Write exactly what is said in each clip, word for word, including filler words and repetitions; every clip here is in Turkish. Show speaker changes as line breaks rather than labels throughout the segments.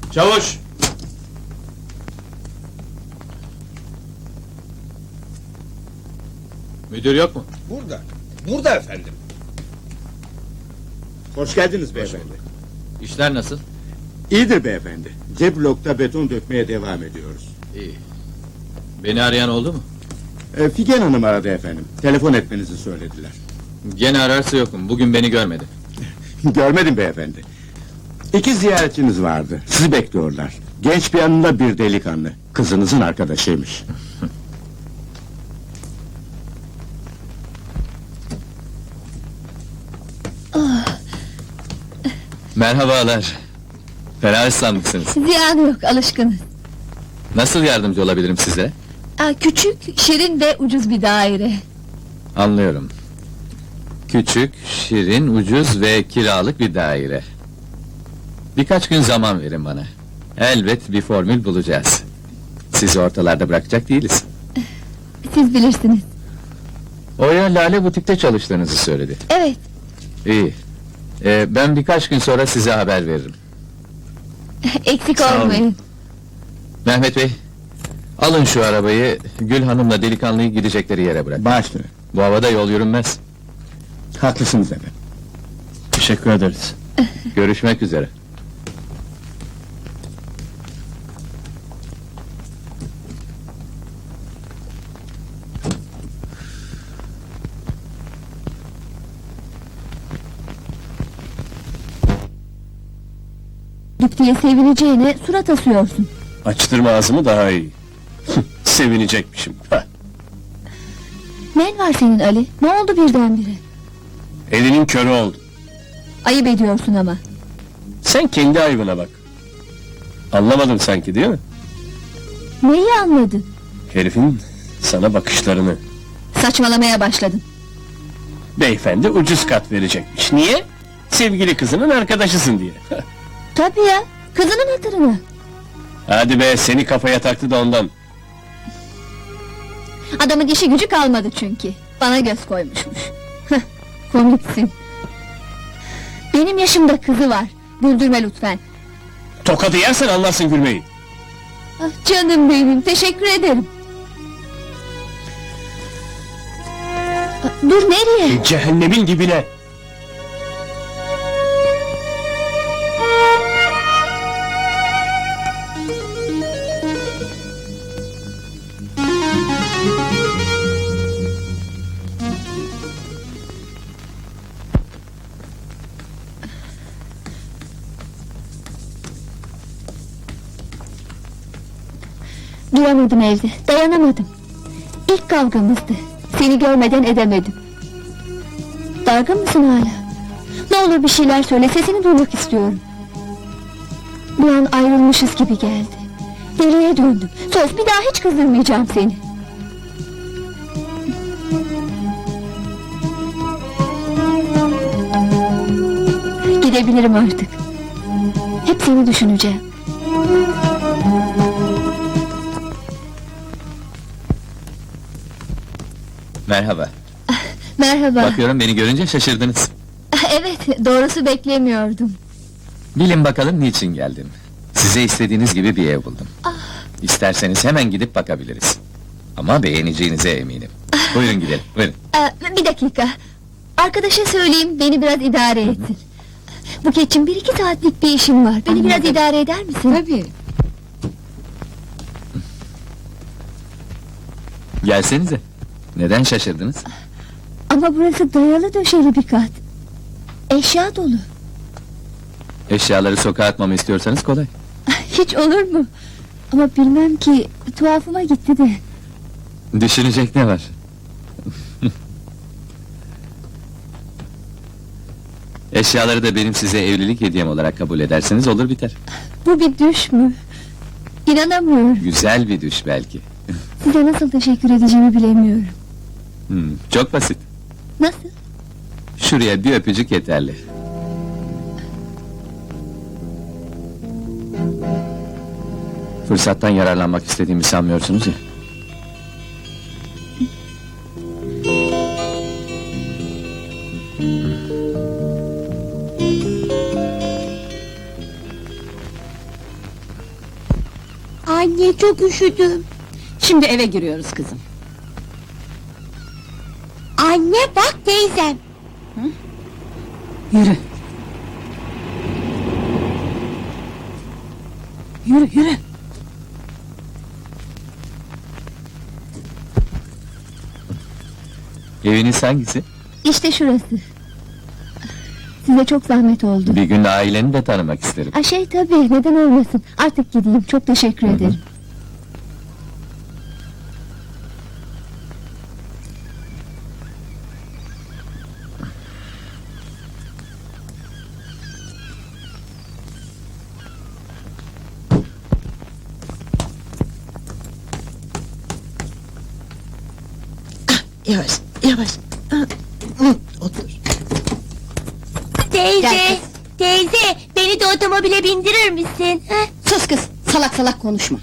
Çavuş! Müdür yok mu?
Burada. Burada efendim.
Hoş geldiniz beyefendi.
İşler nasıl?
İyidir beyefendi. C blokta beton dökmeye devam ediyoruz.
İyi. Beni arayan oldu mu?
E, Figen Hanım aradı efendim. Telefon etmenizi söylediler.
Gene ararsa yokum. Bugün beni görmedi.
Görmedim beyefendi. İki ziyaretçiniz vardı. Sizi bekliyorlar. Genç bir yanında bir delikanlı. Kızınızın arkadaşıymış.
Merhabalar. Fena ıslanmışsınız.
Ziyanı yok, alışkınız.
Nasıl yardımcı olabilirim size?
Aa, küçük, şirin ve ucuz bir daire.
Anlıyorum. Küçük, şirin, ucuz ve kiralık bir daire. Birkaç gün zaman verin bana. Elbet bir formül bulacağız. Sizi ortalarda bırakacak değiliz.
Siz bilirsiniz.
Oya Lale Butik'te çalıştığınızı söyledi.
Evet,
İyi. Ee, ben birkaç gün sonra size haber veririm.
eksik
Sağ olun.
olmayın.
Mehmet Bey, alın şu arabayı, Gül Hanım'la delikanlıyı gidecekleri yere bırak.
Başla.
Bu havada yol yürünmez.
Haklısınız efendim.
Teşekkür ederiz. Görüşmek üzere.
Dip diye sevineceğine surat asıyorsun.
Açtırma ağzımı daha iyi. Sevinecekmişim. Hah.
Ne var senin Ali? Ne oldu birdenbire?
Elinin körü oldu.
Ayıp ediyorsun ama.
Sen kendi ayıbına bak. Anlamadın sanki değil mi?
Neyi anladın?
Herifin sana bakışlarını.
Saçmalamaya başladın.
Beyefendi ucuz kat verecekmiş. Niye? Sevgili kızının arkadaşısın diye. Hah.
Tabii ya, kızının hatırına.
Hadi be, seni kafaya taktı da ondan.
Adamın işi gücü kalmadı çünkü. Bana göz koymuşmuş. Heh, komiksin. Benim yaşımda kızı var. Güldürme lütfen.
Tokadı yersen anlarsın gülmeyi.
Ah, canım benim, teşekkür ederim. Ah, dur nereye?
Cehennemin dibine.
Duramadım evde, dayanamadım. İlk kavgamızdı. Seni görmeden edemedim. Dargın mısın hala? Ne olur bir şeyler söyle, sesini duymak istiyorum. Bir an ayrılmışız gibi geldi. Deliye döndüm. Söz, bir daha hiç kızdırmayacağım seni. Gidebilirim artık. Hep seni düşüneceğim.
Merhaba.
Merhaba.
Bakıyorum beni görünce şaşırdınız.
Evet, doğrusu beklemiyordum.
Bilin bakalım niçin geldim. Size istediğiniz gibi bir ev buldum. İsterseniz hemen gidip bakabiliriz. Ama beğeneceğinize eminim. Buyurun gidelim, buyurun.
Ee, bir dakika. Arkadaşa söyleyeyim, beni biraz idare etsin. Buketçim, bir iki saatlik bir işim var. Beni biraz idare eder misin? Tabii.
Gelsenize. Neden şaşırdınız?
Ama burası dayalı döşeli bir kat. Eşya dolu.
Eşyaları sokağa atmamı istiyorsanız kolay.
Hiç olur mu? Ama bilmem ki, tuhafıma gitti de.
Düşünecek ne var? Eşyaları da benim size evlilik hediyem olarak kabul ederseniz olur biter.
Bu bir düş mü? İnanamıyorum.
Güzel bir düş belki.
Size nasıl teşekkür edeceğimi bilemiyorum.
Hmm, çok basit.
Nasıl?
Şuraya bir öpücük yeterli. Fırsattan yararlanmak istediğimi sanmıyorsunuz ya.
Anne çok üşüdüm.
Şimdi eve giriyoruz kızım.
Anne bak teyzem.
Yürü. Yürü yürü.
Eviniz hangisi?
İşte şurası. Size çok zahmet oldu.
Bir gün aileni de tanımak isterim.
A şey tabii, neden olmasın. Artık gideyim, çok teşekkür ederim.
Yavaş, yavaş. Ah, hı, Otur.
Teyze,
Gel kız.
teyze beni de otomobile bindirir misin? Ha?
Sus kız, salak salak konuşma.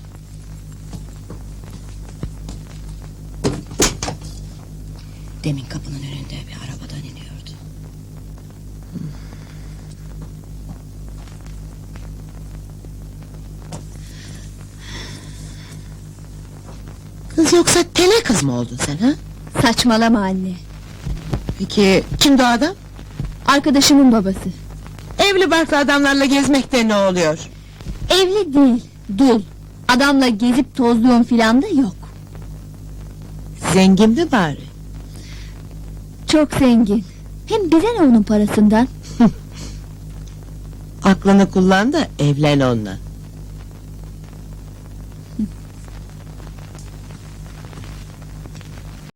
Demin kapının önünde bir arabadan iniyordu.
Kız yoksa tele kız mı oldun sen ha?
Saçmalama anne.
Peki kimdi o adam?
Arkadaşımın babası.
Evli barklı adamlarla gezmekte ne oluyor?
Evli değil, dul. Adamla gezip tozluğum filan da yok.
Zengin mi bari?
Çok zengin. Hem bize ne onun parasından?
Aklını kullan da evlen onunla.